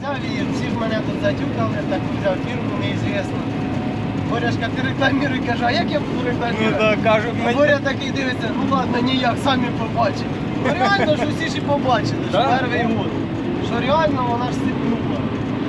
Та вір, всі ж мене тут затюкали, таку взяв фірму, неізвісно. Боряшка, ти рекламіруй, каже, а як я буду рекламірувати? Ну так, кажуть, А Боря такий дивиться, ну ладно, ніяк, самі побачили. Ну реально ж усі ж і побачили, що Да? перший год. Що реально вона ж сипнула.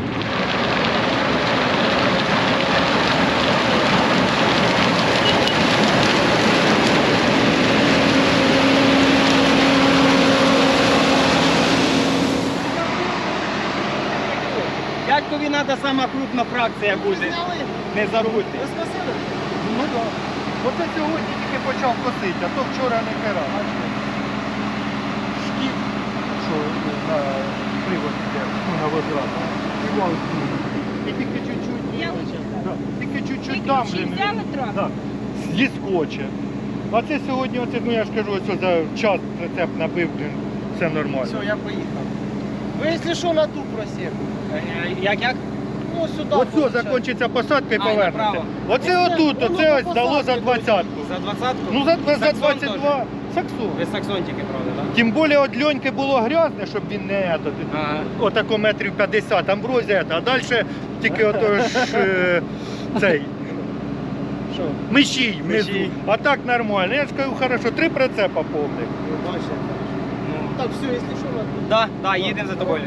Дядькові треба сама крупна фракція буде. Зняли? Не забудьте. Ви скосили? Ну так. Оце сьогодні тільки почав косити, а то вчора не керав. Шкіф, що на привод йде, ну, на возврат. І вал знімає. І тільки чуть-чуть. Да, тільки чуть-чуть там же. взяли трохи? Да, зіскоче. А це сьогодні, оце, ну я ж кажу, ось за час прицеп набив, блін, все нормально. Все, я поїхав. Ви, якщо що, на ту просів. Як? Ну, сюди. Оце получається. закінчиться посадка і А, і повернете. направо. Оце Оце, отут, воно оце ось по дало за посадці 20-ку. За 20-ку? Ну за Саксон 22. теж. Саксон. Ви саксон тільки, правда, так? Тим більше от льоньки було грязне, щоб він не ето, Ага. отако метрів 50, амброзія, а далі тільки ото ж цей Що? мишій внизу. Мишій. А так нормально. Я ж кажу, хорошо, 3 прицепа повних. Ви бачите. Так, все, якщо що, на ту. Да, їдемо за тобою.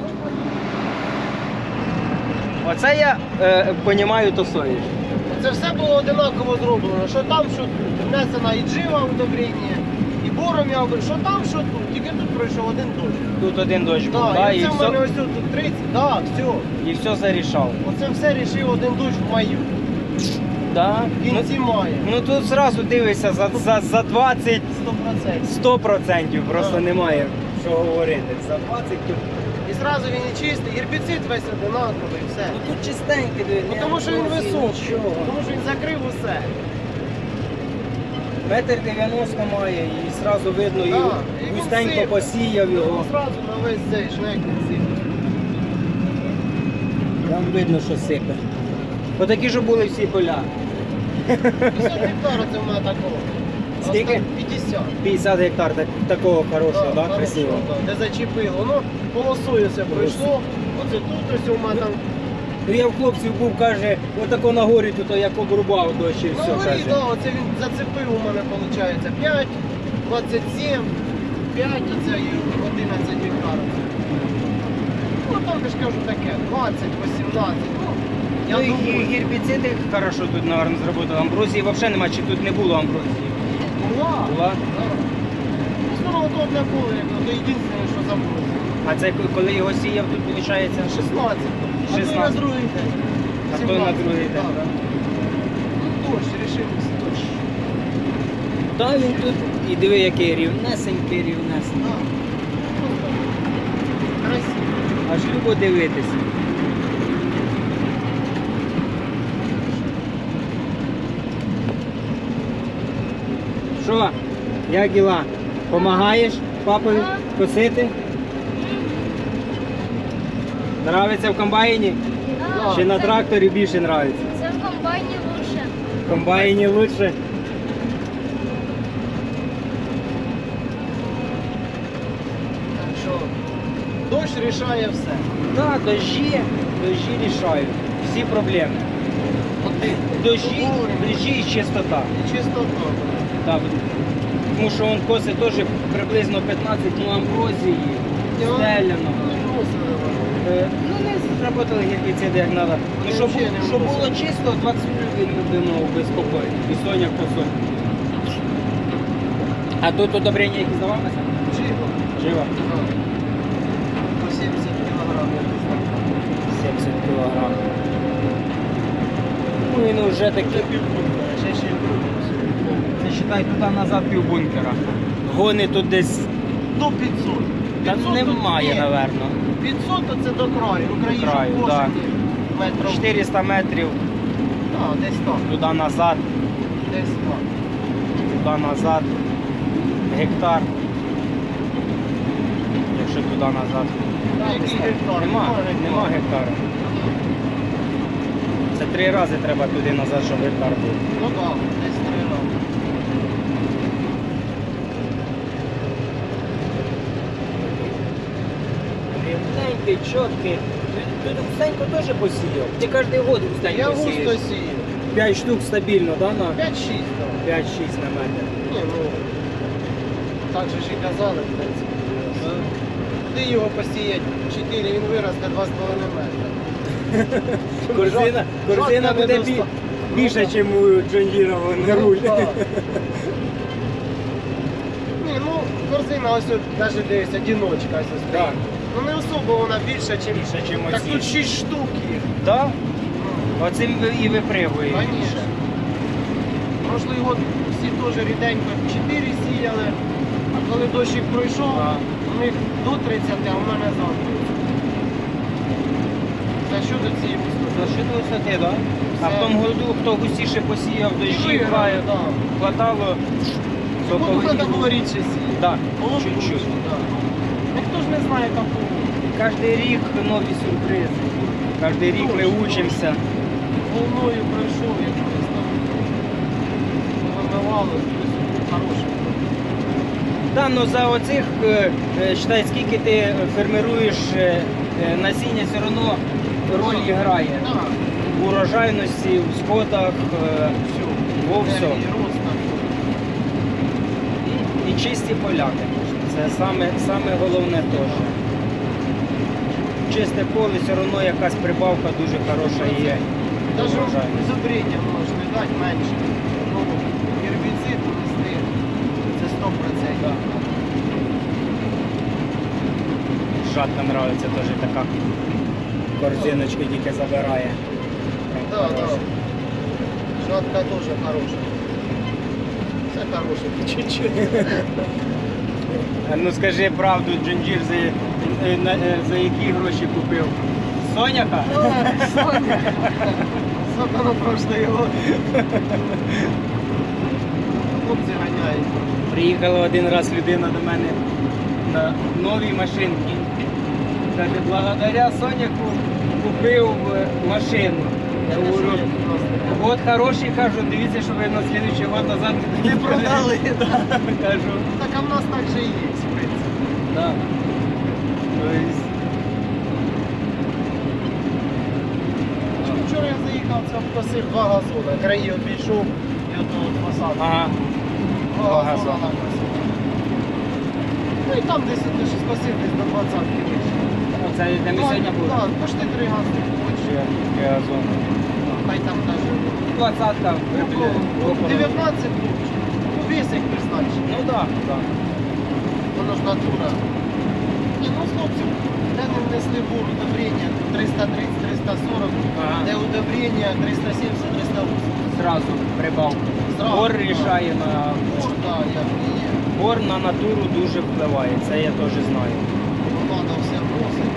Оце я розумію, то совість. Це все було одинаково зроблено. Що там, що тут. Внесена і джива удобрення, і бором я говорю, що там, що тут. Тільки тут пройшов один дощ. Тут один дощ був, Так, да, і і це в мене все, ось тут 30, так, все. і все зарішав. Оце все рішив один дощ в маю. Да. В кінці мая. Ну тут зразу дивишся, за 20 100%. 100% просто немає що говорити. За 20 то... І зразу він і чистий, гербіцид весь одинаковий, і все. Ну тут чистенький, диви, Ну, ні тому що він амброзії, високий, нічого. тому що він закрив усе. Метр 90 має і зразу видно, Да, і і він густенько сипе. посіяв його. Зразу на весь цей шнек він сипе. Там видно, що сипе. Отакі ж були всі поля. 50 гектарів це в мене такого. Скільки? 50. 50 гектар такого хорошого, да, хорошого, красивого. да, де зачепило. Воно полосою все пройшло. Оце тут ось у мене там. Ну я в хлопців був, каже, отако на горі тут як обрубав дощ і Ну, все, говори, каже. да, оце він зацепив у мене, виходить, 5, 27, 5, оце і 11 гектарів. Ну, там я ж кажу таке, 20, 18, ну, я Ну і думаю, гербіциди хорошо тут, мабуть, зробили. Амброзії взагалі немає, чи тут не було амброзії? була. Була? Да. Ну, то одне поле, як то єдине, що забулося. А це коли його сіяв, тут виходить 16. А то й на 16. другий день. А то й на 17, другий да, день. да. Ну, дощ, рішився, дощ. Та він тут, і диви, який рівнесенький, рівнесенький. Да. Красиво. Аж любо дивитися. Що, як діла? Помагаєш папові косити? Нравиться в комбайні? Да. Чи на тракторі більше нравиться? Це в комбайні лучше. В комбайні лучше. Так що дощ рішає все. Так, дощі рішають всі проблеми. Дощі і чистота. І чистота. Так. Тому що він косить теж приблизно 15 амброзії, стеляно. Ну не зробили гербіциди як треба. Ну, щоб було чисто, 20 він будемо безпокоїти. І соняк по соняк. А тут удобрення які здавалося? Живо. Живо. По 70 кілограмів. 70 кг. Ну він вже такий. Ще ще Це вважай, туди назад пів бункера. Гони тут десь. до 500. Та 500 немає, тут є. напевно. 500 то це до краю. Україні До краю, да. метрів. 400 метрів А, десь так. туди назад, Десь так. туди назад. Гектар. Якщо туди назад. Та, який гектар? Нема гектара. Це 3 рази треба туди назад, щоб гектар був. Ну так, десь 3 роки. Рівненький, чіткий. Ти густенько теж посіяв? Ти кожен год Я густенько густо сієш? сію. 5 штук стабільно, да, на 5-6 там. 5-6 на метр. Ні, ну, так же ж і казали, в принципі. Куди його посіять 4, він виросте 2,5 метра. Корзина Жодна буде недоста- більше, Ну, ніж у Джон Діра на руль. Ну, так. Ні, ну, корзина ось от, навіть дивись, одиночка ось ось Так. стоїть. Ну не особо вона більша, ніж... Більше, чим Так оці. тут 6 штук їх. Так? Оцим і випригує. Конечно. Прошлий год всі теж ріденько 4 сіяли, а коли дощик пройшов, А. у них до 30, а у мене за 30. Це що до цієї За що до висоти, так? А в Все. тому году, хто густіше посіяв, дощі виграв, грає, да. хватало, то Ну, повинні треба були. було рідше сіяти. Так, Було б чуть-чуть. лучше, да. Ніхто ж не знає такого. Кожен рік нові сюрпризи. Кожен рік ми Точно. учимося. Волною пройшов якось там. Вимивало, хороше. Да, ну за оцих, считай, скільки ти фермеруєш насіння, все одно роль грає. Так, В урожайності, в сходах, все. во всьому. І рост там. І чисті поля, звісно. Це саме головне теж. Чисте поле, все одно якась прибавка дуже хороша є. до Даже урожайності. зубріння можна дати менше. Ну, гербіцид внести. Це 100%. Жатка подобається теж така. Корзиночки тільки забирає. Прям Да, да. хороша. Жатка теж хороша. Все хороше, чуть-чуть. А ну скажи правду, Джинджір за які гроші купив? Соняка? Сколько на прошлый год. Хлопці ганяють. Приїхала один раз людина до мене на новій машинці. Каже, благодаря Соняку купив машину. Я говорю, от хороший, кажу, дивіться, що ви на слідуючий год назад Не продали. Кажу, Так а в нас так же і є, в принципі. да. Тобто, Вчора я заїхав, це обкосив 2 газони. Краї обійшов і ото от посадку. ага, 2 два газони газони. накосив. Ну і там десь ти ж скосив десь до 20-ки вийшло. оце де ми сьогодні були. Так, почти 3 газони. Газон. Хай там навіть 20-ка. около 19 лучше. Ну вес як призначить. Ну так, так. Воно ж натура. Ні, ну хлопці, де не внесли бур удобрення 330-340, Ага. де удобрення 370-380. Зразу прибавку. Зразу, Бор так. рішає на. Бур, так, як і є. Бор на натуру дуже впливає, це я теж знаю. Треба все вносити.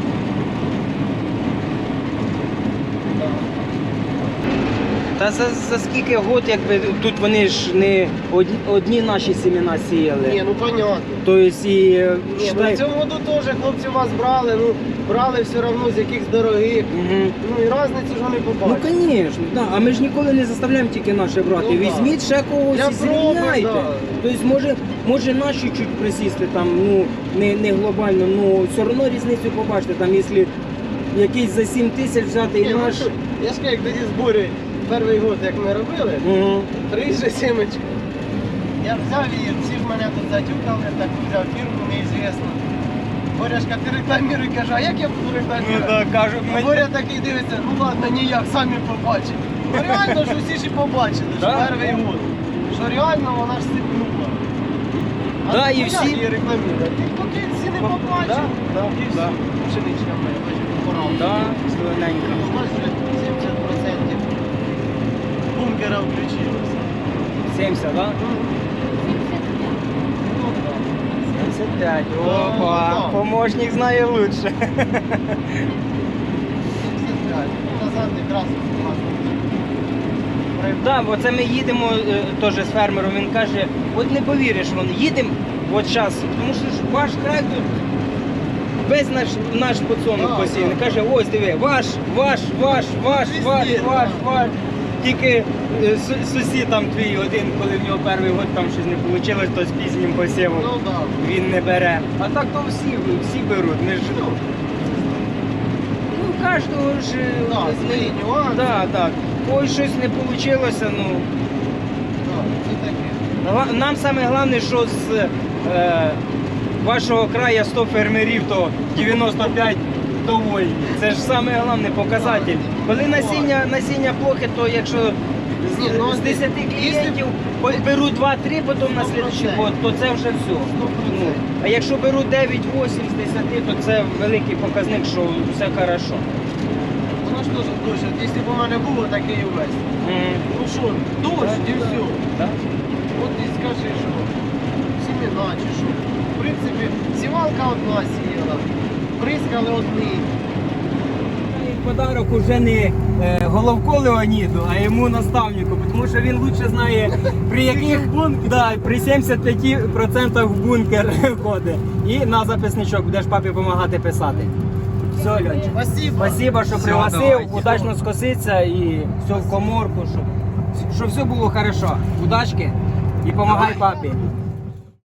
Та за скільки год, якби тут вони ж не одні наші семена сіяли. Ні, ну понятно. Тобто і Ні, ну, считай- в цьому году теж хлопці вас брали, ну брали все одно з якихось дорогих. Мгм. Ну і різницю ж вони Ну, побачать. звісно, да. А ми ж ніколи не заставляємо тільки наше брати. Ну, да. Візьміть ще когось Для і зрівняйте. проби, да. Тобто, може наші чуть присісти там, ну, не глобально, ну все одно різницю побачите. Там, якщо якийсь за 7 тисяч взяти Ні, і ну, наш. що, я ж кажу, як тоді збори перший год, як ми робили, Мгм. 3 семечки. Я взяв її, всі ж мене тут затюкали, так взяв фірму неізвісну. Боряшка, ти рекламіруй, каже, а як я буду Ну рекламувати? так, кажуть, А Боря такий дивиться, ну ладно, ніяк, самі побачимо. Ну реально ж усі ж і побачили, що Да. перший год. Що реально вона ж сипнула. Да, ну, і як всі- її рекламувати? Ти поки всі не Да, побачив. да, І все. да. Пшеничка моя, бачиш, порав. Да, зелененька. Ну, бачиш, 70% бункера включилося. 70, да? Ну, так. 75. Да, Опа, да. помощник знає лучше. 75. Ну, назад якраз Так, бо це ми їдемо теж з фермером, він каже, от не повіриш, їдемо от зараз, тому що ж ваш край тут весь наш подсолнух Да, посіяний. да. Каже, ось диви, ваш. Везде, да. Тільки сусід там твій один, коли в нього перший год там щось не вийшло, то з пізнім посівом Ну так. він не бере. А так то всі беруть. Ми ж, Ну, кожного ж Да, свої нюанси. да. Ой, щось не вийшло, ну. Да, це таке. Нам саме головне, що з вашого краю 100 фермерів, то 95 довольні. Це ж саме головний показатель. Коли насіння плохе, то якщо Ні, ну, з 10 клієнтів беруть 2-3 потім на слідчий год, то це вже все. Ну, а якщо беруть 9-8 з 10, то це великий показник, що все хорошо. Воно ж теж дощ. От якщо б у мене було такий увесь. Ну що, дощ і все. Так? От і скажи, що сімена чи що. В принципі, сівалка одна сіяла, бризкали одні. Подарок уже не Головко Леоніду, а йому наставнику, тому що він лучше знає, при яких при 75% в бункер ходить. І на записничок будеш папі допомагати писати. Все, Льончик. Спасибо, що пригласив, удачно скоситься і все в коморку, щоб все було хорошо. Удачки і допомагай папі.